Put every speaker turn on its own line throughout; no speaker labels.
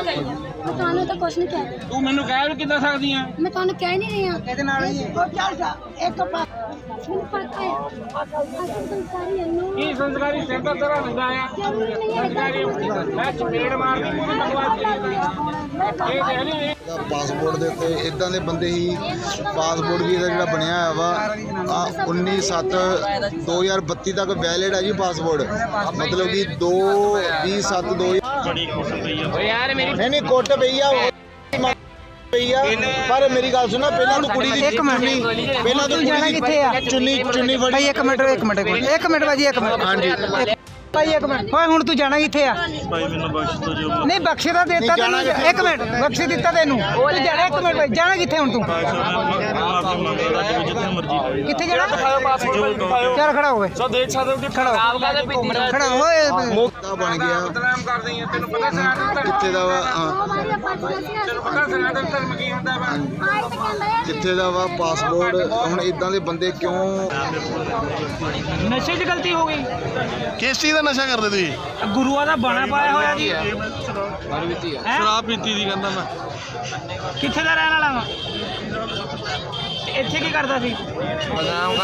मैं ਤੁਹਾਨੂੰ ਤਾਂ ਕੁਛ ਨਹੀਂ ਕਹਿ
ਤੂੰ ਮੈਨੂੰ ਕਹਿ ਵੀ ਕਿੱਦਾਂ ਸਕਦੀ ਆ
ਮੈਂ ਤੁਹਾਨੂੰ ਕਹਿ ਨਹੀਂ ਰਹੀ ਹਾਂ
ਇਹਦੇ ਨਾਲ ਹੀ ਉਹ ਚੱਲ ਜਾ ਇੱਕ ਪਾਸ
ਮੈਨੂੰ ਪਤਾ ਹੈ ਅਸਲ ਸੰਸਾਰੀ ਇਹਨੂੰ
ਕੀ ਸੰਸਕਾਰੀ ਸਿਰ ਦਾ ਤੇਰਾ ਹੁੰਦਾ ਆ ਸੰਸਕਾਰੀ ਮੈਂ ਚਪੇੜ ਮਾਰਦੀ ਪੂਰੀ ਬਕਵਾਸ ਇਹ ਕਹਿ ਨਹੀਂ
ਪਾਸਪੋਰਟ ਦੇ ਉੱਤੇ ਇਦਾਂ ਦੇ ਬੰਦੇ ਹੀ ਪਾਸਪੋਰਟ ਵੀ ਇਹਦਾ ਜਿਹੜਾ ਬਣਿਆ ਹੋਇਆ ਵਾ 19/7/2032 ਤੱਕ ਵੈਲਿਡ ਹੈ ਜੀ ਪਾਸਪੋਰਟ ਮਤਲਬ ਕਿ 2/20/7/2000
ਬੜੀ ਖੁਸ਼ੀ ਪਈ ਆ ਯਾਰ ਮੇਰੀ
ਨਹੀਂ ਕੋਟ ਪਈ ਆ ਪਈ ਆ ਪਰ ਮੇਰੀ ਗੱਲ ਸੁਣਾ ਪਹਿਲਾਂ ਤੂੰ ਕੁੜੀ ਦੀ ਚੁੰਨੀ ਪਹਿਲਾਂ ਤੂੰ
ਜਾਣਾ ਕਿੱਥੇ ਆ
ਚੁੰਨੀ ਫੜੀ
ਭਾਈ ਇੱਕ ਮਿੰਟ ਭਾਜੀ ਇੱਕ ਮਿੰਟ
ਹਾਂਜੀ
ਭਾਈ ਇੱਕ ਮਿੰਟ ਓਏ ਹੁਣ ਤੂੰ ਜਾਣਾ ਕਿੱਥੇ ਆ
ਭਾਈ ਮੈਨੂੰ ਬਖਸ਼ ਦੋ ਜੋ
ਨਹੀਂ ਬਖਸ਼ੇ ਤਾਂ ਦਿੱਤਾ ਤੈਨੂੰ ਇੱਕ ਮਿੰਟ ਬਖਸ਼ੇ ਦਿੱਤਾ ਤੈਨੂੰ ਤੂੰ ਜਾਣਾ ਇੱਕ ਮਿੰਟ ਭਾਈ ਜਾਣਾ ਕਿੱਥੇ ਹੁਣ ਤੂੰ
ਮਾਫੀ ਮੰਗਦਾ ਜਿੱਥੇ ਮਰਜ਼ੀ
ਕਿੱਥੇ ਜਾਣਾ ਚੱਲ ਖੜਾ ਹੋਵੇ
ਸੋ ਦੇਖ ਸਕਦੇ ਹੋ ਕਿ
ਖੜਾ ਹੋਏ
ਮੋਕਾ ਬਣ ਗਿਆ
ਬਦਨਾਮ ਕਰਦੇ ਆ ਤੈਨੂੰ ਪਤਾ ਸਨਾਤਨ
ਕਿੱਥੇ ਦਾ ਵਾ
ਤੈਨੂੰ ਪਤਾ ਸਨਾਤਨ ਧਰਮ ਕੀ ਹੁੰਦਾ ਵਾ
ਕਿੱਥੇ ਦਾ ਵਾ ਪਾਸਪੋਰਟ ਹੁਣ ਇਦਾਂ ਦੇ ਬੰਦੇ ਕਿਉਂ
ਨਸ਼ੇ 'ਚ ਗਲਤੀ ਹੋ ਗਈ
ਕਿਸ ਚੀਜ਼ ਦਾ ਨਸ਼ਾ ਕਰਦੇ ਤੁਸੀਂ
ਗੁਰੂਆਂ ਦਾ ਬਾਣਾ ਪਾਇਆ ਹੋਇਆ ਜੀ
ਸ਼ਰਾਬ ਪੀਤੀ ਦੀ ਕਹਿੰਦਾ ਮੈਂ
ਕਿੱਥੇ ਦਾ ਰਹਿਣ ਵਾਲਾ ਵਾ ਇੱਥੇ ਕੀ ਕਰਦਾ ਸੀ
ਬਦਨਾਮ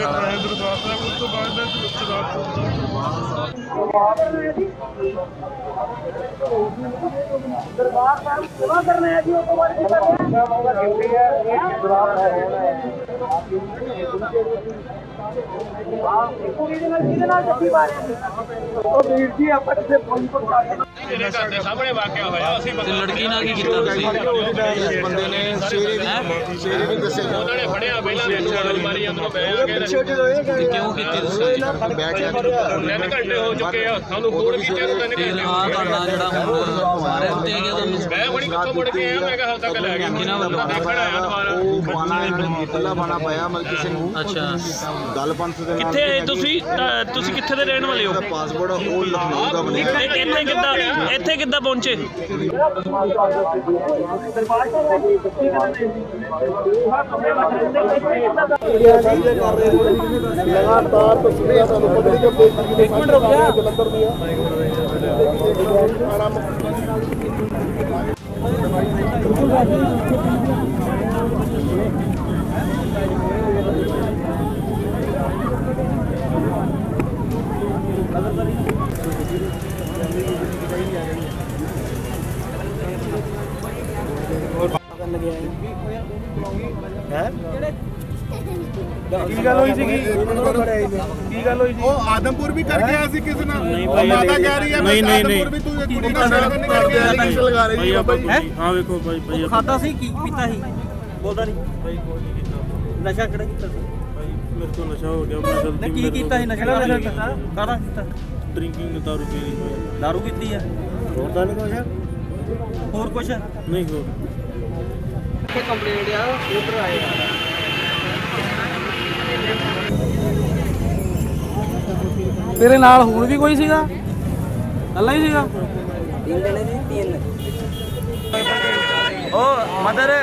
ਸਾਹਮਣੇ ਵਾਕਿਆ ਹੋਇਆ ਅਸੀਂ
ਲੜਕੀ ਨਾਲ ਕੀ ਕੀਤਾ ਤੁਸੀਂ
ਇਸ ਬੰਦੇ ਨੇ ਸਵੇਰੇ ਵੀ ਦੱਸਿਆ
ਉਹਨਾਂ ਨੇ ਫੜਿਆ ਪਹਿਲਾਂ ਛਾਲ ਮਾਰੀ ਅੰਦਰੋਂ ਬਹਿ ਕੇ
ਕਿਉਂ ਕੀਤੀ ਤੁਸੀਂ
ਬੈਠ ਗਿਆ
3 ਘੰਟੇ ਹੋ ਚੁੱਕੇ ਆ ਸਾਨੂੰ ਹੋਰ ਵੀ ਕਿਹਾ 3 ਘੰਟੇ
ਫਿਰ ਆ ਤੁਹਾਡਾ ਜਿਹੜਾ ਹੁਣ ਸਾਰੇ ਉੱਤੇ ਗਿਆ ਤੁਹਾਨੂੰ
ਮੈਂ ਬੜੀ ਕਿੱਥੋਂ ਮੁੜ ਕੇ ਆ ਮੈਂ ਕਿਹਾ ਹਲ ਤੱਕ ਲੈ ਗਿਆ
ਕਿਹਨਾਂ ਵੱਲੋਂ?
ਦੇਖਣ ਆਇਆ ਦੁਬਾਰਾ
ਉਹ ਬਾਣਾ ਪਹਿਲਾ ਬਾਣਾ ਪਾਇਆ ਮਤਲਬ ਕਿਸੇ ਨੂੰ
ਅੱਛਾ
ਗੱਲ ਪੰਥ ਦੇ ਨਾਲ
ਕਿੱਥੇ ਤੁਸੀਂ ਕਿੱਥੇ ਦੇ ਰਹਿਣ ਵਾਲੇ ਹੋ
ਜਿਹੜਾ ਪਾਸਪੋਰਟ ਉਹ ਲਖਨਊ ਦਾ ਬਣਿਆ
ਇੱਥੇ ਕਿੱਦਾਂ ਪਹੁੰਚੇ
ਲਗਾਤਾਰ ਤਸਵੀਰਾਂ ਤੁਹਾਨੂੰ ਪਬਲਿਕ ਅਪਡੇਟ ਇੱਕ ਮਿੰਟ ਰੁਕਿਆ ਜਲੰਧਰ ਦੀਆਂ
ਕੀ ਗੱਲ ਹੋਈ ਸੀਗੀ ਕੀ ਗੱਲ ਹੋਈ ਸੀ
ਉਹ ਆਦਮਪੁਰ ਵੀ ਕਰ ਗਿਆ ਸੀ ਕਿਸੇ ਨਾਲ
ਨਹੀਂ
ਉਹ
ਭਾਈ
ਮਾਤਾ ਕਹਿ ਰਹੀ ਹੈ
ਨਹੀਂ ਨਹੀਂ
ਆਦਮਪੁਰ ਵੀ ਤੂੰ ਇੱਕ ਕੁੜੀ ਨਾਲ ਸ਼ਾਦੀ ਨਹੀਂ ਕਰ ਗਿਆ ਐਲੀਗੇਸ਼ਨ ਲਗਾ ਰਹੀ ਹੈ ਭਾਈ
ਹਾਂ ਵੇਖੋ ਭਾਈ
ਖਾਤਾ ਸੀ ਕੀ ਪੀਤਾ ਸੀ ਬੋਲਦਾ ਨਹੀਂ
ਭਾਈ ਕੋਈ ਨਹੀਂ ਕੀਤਾ
ਨਸ਼ਾ ਕਿਹੜਾ ਕੀਤਾ ਸੀ
ਭਾਈ ਮੇਰੇ ਤੋਂ ਨਸ਼ਾ ਹੋ ਗਿਆ ਮੈਂ ਗਲਤੀ
ਕੀ ਕੀਤਾ ਸੀ ਨਸ਼ਾ ਕੀਤਾ ਕਾਹਦਾ ਕੀਤਾ
ਡਰਿੰਕਿੰਗ ਦਾਰੂ ਪੀ ਲਈ ਭਾਈ
ਦਾਰੂ ਕੀਤੀ ਆ ਹੋਰ ਤਾਂ ਨਹੀਂ ਕੁਛ ਹੋਰ ਕੁਛ
ਨਹੀਂ ਹੋ
ਇੱਥੇ ਕੰਪਲੇਂਟ ਆ ਉਧਰ ਆਏ ਤੇਰੇ ਨਾਲ ਹੋਰ ਵੀ ਕੋਈ ਸੀਗਾ ਅੱਲਾ ਹੀ ਸੀਗਾ 3 ਜਣੇ ਸੀ 3 ਓ ਮਦਰ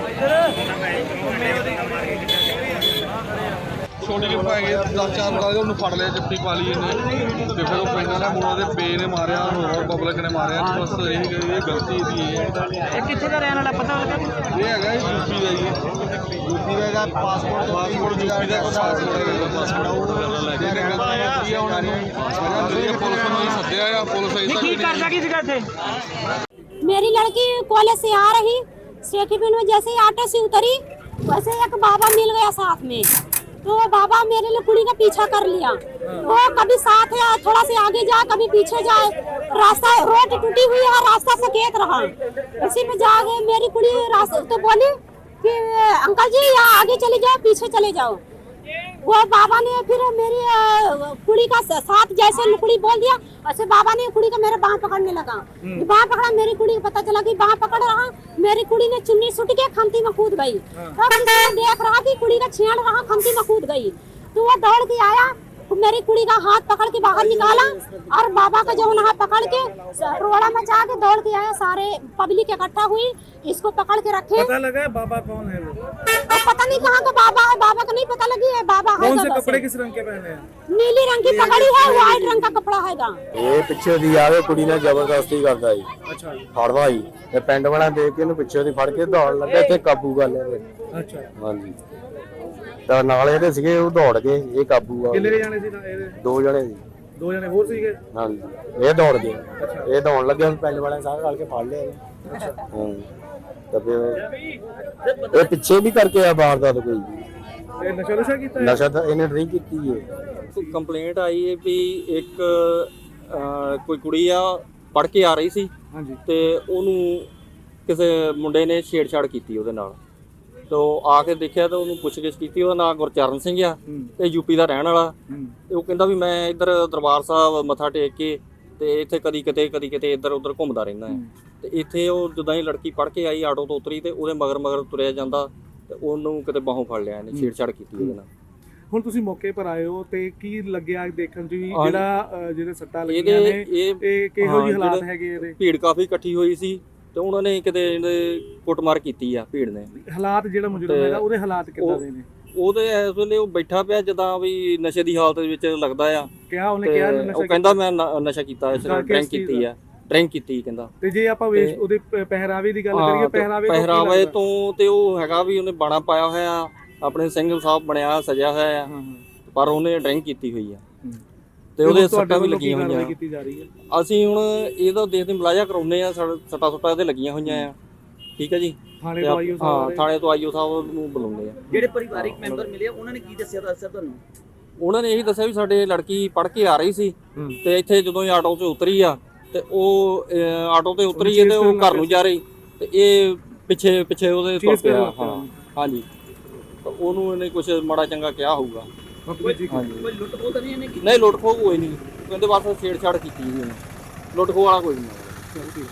ਛੋਟੀ ਜਿਹੀ ਪੈ ਗਏ 10-4 ਬੜਾ ਉਹਨੂੰ ਫੜ ਲਿਆ ਜੱਫੀ ਪਾ ਲਈ ਇਹਨੇ ਤੇ ਫਿਰ ਉਹ ਪੈਨਾਂ ਨਾਲ ਮੁੰਡਾ ਦੇ ਪੇ ਨੇ ਮਾਰਿਆ ਹੋਰ ਪਬਲਿਕ ਨੇ ਮਾਰਿਆ ਤੇ ਬਸ ਇਹ ਗਲਤੀ ਇਹਦੀ ਹੈ
ਇਹ ਕਿੱਥੇ ਦਾ ਰਹਿਣ ਵਾਲਾ ਪਤਾ ਲੱਗਾ
ਇਹ ਹੈਗਾ ਯੂਪੀ ਦਾ ਜੀ
ਯੂਪੀ ਦਾ ਇਹਦਾ ਪਾਸਪੋਰਟ
ਯੂਪੀ ਦਾ ਪਾਸਪੋਰਟ ਲੈ ਕੇ ਗਲਤੀ ਆ ਉਹਨਾਂ ਨੂੰ ਪੁਲਿਸ ਨੂੰ ਹੀ ਸੱਦਿਆ ਆ ਪੁਲਿਸ ਆਈ
ਕੀ ਕਰਦਾ ਕੀ ਸੀਗਾ ਇੱਥੇ
मेरी लड़की कॉलेज से आ रही सेठीपिंड में जैसे ही ऑटो से उतरी वैसे एक बाबा मिल गया साथ में तो वो बाबा मेरे लिए कुड़ी का पीछा कर लिया वो कभी साथ है थोड़ा से आगे जाए कभी पीछे जाए रास्ता रोड टूटी हुई है रास्ता सकेत रहा इसी में जाके मेरी कुड़ी रास्ता तो बोली कि अंकल जी यहाँ आगे चले जाओ पीछे चले जाओ वो बाबा ने फिर मेरी कुड़ी का साथ जैसे कुड़ी बोल दिया वैसे बाबा ने कुड़ी का मेरा बाँह पकड़ने लगा बाँह पकड़ा मेरी कुड़ी को पता चला कि बाँह पकड़ रहा मेरी कुड़ी ने चुन्नी सुट के खमती में कूद गई तब देख रहा कि कुड़ी का छेड़ रहा खमती में कूद गई तो वो दौड़ के आया मेरी कुड़ी का हाथ पकड़ के बाहर निकाला और बाबा का जो हाथ पकड़ के रोड़ा मचा के दौड़ के आया सारे पब्लिक इकट्ठा हुई इसको पकड़ के रखे
पता लगा बाबा कौन है वो
तो पता नहीं कहाँ का बाबा है, बाबा का नहीं पता लगी है, बाबा है
कौन
तो
से
बस
कपड़े
है।
किस रंग के पहने हैं?
नीली रंग की पगड़ी है, व्हाइट रंग का कपड़ा हैगा।
ਇਹ ਪਿੱਛੇ ਦੀ ਆਵੇ ਕੁੜੀ ਨਾਲ ਜ਼ਬਰਦਸਤੀ ਕਰਦਾ ਜੀ
अच्छा
ਫੜਦਾ ਜੀ ਤੇ ਪਿੰਡ ਵਾਲਾ ਦੇਖ ਕੇ ਇਹਨੂੰ ਪਿੱਛੇ ਦੀ ਫੜ ਕੇ ਦੌੜ ਲੱਗਾ ਤੇ ਕਾਬੂ ਕਰ ਲਿਆ ਇਹਨੇ।
अच्छा
ਹਾਂਜੀ ਤਾਂ ਨਾਲ ਇਹਦੇ ਸੀਗੇ ਉਹ ਦੌੜ ਗਏ ਇਹ ਕਾਬੂ ਆ
कितने
ਗਏ।
जाने थे ना ये?
ਦੋ ਜਣੇ ਸੀ
2 जने और सीगे।
ਹਾਂਜੀ ਇਹ ਦੌੜ ਗਏ ਇਹ ਦੌੜ ਲੱਗੇ ਹੁਣ ਪਿੰਡ ਵਾਲਿਆਂ ਸਾਰੇ ਰਲ ਕੇ ਫੜ ਲਿਆ ਇਹਨੂੰ। ਹਾਂ ਤਾਂ ਫਿਰ ਇਹ ਪਿੱਛੇ ਵੀ ਕਰਕੇ ਆ ਵਾਰਦਾਤ ਕੋਈ
ये नशा नुशा कीता है?
ਨਸ਼ਾ ਤਾਂ ਇਹਨੇ ਡਰਿੰਕ ਕੀਤੀ ਹੈ।
ਕੰਪਲੇਂਟ ਆਈ ਹੈ ਵੀ ਇੱਕ ਕੋਈ ਕੁੜੀ ਆ ਪੜ ਕੇ ਆ ਰਹੀ ਸੀ
ਹਾਂਜੀ
ਤੇ ਉਹਨੂੰ ਕਿਸੇ ਮੁੰਡੇ ਨੇ ਛੇੜਛਾੜ ਕੀਤੀ ਉਹਦੇ ਨਾਲ। ਤੋ ਆ ਕੇ ਦੇਖਿਆ ਤਾਂ ਉਹਨੂੰ ਪੁੱਛਗਿੱਛ ਕੀਤੀ। ਉਹਦਾ ਨਾਮ ਗੁਰਚਰਨ ਸਿੰਘ ਆ ਤੇ ਯੂਪੀ ਦਾ ਰਹਿਣ ਵਾਲਾ। ਤੇ ਉਹ ਕਹਿੰਦਾ ਵੀ ਮੈਂ ਇੱਧਰ ਦਰਬਾਰ ਸਾਹਿਬ ਮੱਥਾ ਟੇਕ ਕੇ ਤੇ ਇੱਥੇ ਕਦੀ ਕਿਤੇ ਇੱਧਰ ਉੱਧਰ ਘੁੰਮਦਾ ਰਹਿੰਦਾ ਹੈ। ਤੇ ਇੱਥੇ ਉਹ ਜਦੋਂ ਹੀ ਲੜਕੀ ਪੜ ਕੇ ਆਈ ਆਟੋ ਤੋਂ ਉਤਰੀ ਤੇ ਉਹਦੇ ਮਗਰ ਤੁਰਿਆ ਜਾਂਦਾ ਤੇ ਉਹਨੂੰ ਕਿਤੇ ਬਾਹੋਂ ਫੜ ਲਿਆ ਇਹਨੇ ਛੇੜਛਾੜ ਕੀਤੀ ਉਹਦੇ ਨਾਲ।
ਹੁਣ ਤੁਸੀਂ ਮੌਕੇ ਪਰ ਆਏ ਹੋ ਤੇ ਕੀ ਲੱਗਿਆ ਦੇਖਣ ਚ ਵੀ
ਹਾਂਜੀ।
ਜਿਹਦੇ ਸੱਟਾਂ ਲੱਗੀਆਂ ਨੇ ਇਹ ਕਿਹੋ ਜਿਹੇ ਹਾਲਾਤ ਹੈਗੇ ਇਹਦੇ?
ਭੀੜ ਕਾਫੀ ਇਕੱਠੀ ਹੋਈ ਸੀ ਤੇ ਉਹਨਾਂ ਨੇ ਕਿਤੇ ਇਹਦੇ ਕੁੱਟਮਾਰ ਕੀਤੀ ਆ ਭੀੜ ਨੇ।
ਹਾਲਾਤ ਜਿਹੜਾ ਮੁਜਰਮ ਹੈਗਾ ਉਹਦੇ ਹਾਲਾਤ ਕਿੱਦਾਂ ਦੇ ਨੇ?
ਉਹਦੇ ਇਸ ਵੇਲੇ ਉਹ ਬੈਠਾ ਪਿਆ ਜਦਾਂ ਵੀ ਨਸ਼ੇ ਦੀ ਹਾਲਤ ਵਿੱਚ ਲੱਗਦਾ ਆ।
ਕਿਹਾ ਉਹਨੇ
ਤੇ
ਕਿਹਾ
ਉਹ
ਨਸ਼ਾ
ਕਹਿੰਦਾ ਮੈਂ ਨਸ਼ਾ ਕੀਤਾ ਇਸ
ਕਿਸ
ਡਰਿੰਕ
ਚੀਜ਼
ਕੀਤੀ ਆ ਡਰਿੰਕ ਕੀਤੀ ਕਹਿੰਦਾ।
ਤੇ ਜੇ ਆਪਾਂ ਉਹਦੇ ਪਹਿਰਾਵੇ ਦੀ ਗੱਲ ਕਰੀਏ
ਪਹਿਰਾਵੇ ਤੋਂ ਤੇ ਉਹ ਹੈਗਾ ਵੀ ਉਹਨੇ ਬਾਣਾ ਪਾਇਆ ਹੋਇਆ ਆਪਣੇ ਸਿੰਘ ਸਾਹਿਬ ਬਣਿਆ ਸਜਿਆ ਹੋਇਆ ਆ ਪਰ ਉਹਨੇ ਡਰਿੰਕ ਕੀਤੀ ਹੋਈ ਆ ਤੇ ਉਹਦੇ ਸੱਟਾਂ ਵੀ ਲੱਗੀਆਂ ਹੋਈਆਂ।
ਕੀਤੀ ਜਾ ਰਹੀ ਹੈ।
ਅਸੀਂ ਹੁਣ ਇਹਦਾ ਦੇਖਦੇ ਮੁਲਾਜ਼ਾ ਕਰਾਉਨੇ ਆ ਸੱਟਾਂ ਇਹਦੇ ਲੱਗੀਆਂ ਹੋਈਆਂ ਆ। ਠੀਕ ਹੈ ਜੀ
ਥਾਣੇ ਤੋਂ ਆਈਓ
ਹਾਂ ਥਾਣੇ ਤੋਂ ਆਈਓ ਸਾਹਿਬ ਨੂੰ ਬੁਲਾਉਂਦੇ ਆ।
ਜਿਹੜੇ ਪਰਿਵਾਰਿਕ ਮੈਂਬਰ ਮਿਲੇ ਉਹਨਾਂ ਨੇ ਕੀ ਦੱਸਿਆ ਤੁਹਾਨੂੰ?
ਉਹਨਾਂ ਨੇ ਇਹੀ ਦੱਸਿਆ ਵੀ ਸਾਡੇ ਲੜਕੀ ਪੜ ਕੇ ਆ ਰਹੀ ਸੀ ਤੇ ਇੱਥੇ ਜਦੋਂ ਇਹ ਆਟੋ 'ਚ ਉਤਰੀ ਆ ਤੇ ਉਹ ਆਟੋ ਤੇ ਉਤਰੀ ਤੇ ਉਹ ਘਰ ਨੂੰ ਜਾ ਰਹੀ ਤੇ ਇਹ ਪਿੱਛੇ ਉਹਦੇ ਤੁਰ ਪਿਆ। ਹਾਂ ਹਾਂਜੀ ਤਾਂ ਉਹਨੂੰ ਇਹਨੇ ਕੁਝ ਮਾੜਾ ਚੰਗਾ ਕਿਹਾ ਹੋਊਗਾ।
ਕੋਈ ਲੁੱਟ ਖੋਹ ਤਾਂ ਨਹੀਂ ਇਹਨੇ ਕੀਤੀ?
ਨਹੀਂ ਲੁੱਟ ਖੋਹ ਕੋਈ ਨਹੀਂ ਕਹਿੰਦੇ ਬਸ ਛੇੜਛਾੜ ਕੀਤੀ ਜੀ ਉਹਨੇ। ਲੁੱਟ ਖੋਹ ਵਾਲਾ ਕੋਈ ਨਹੀਂ।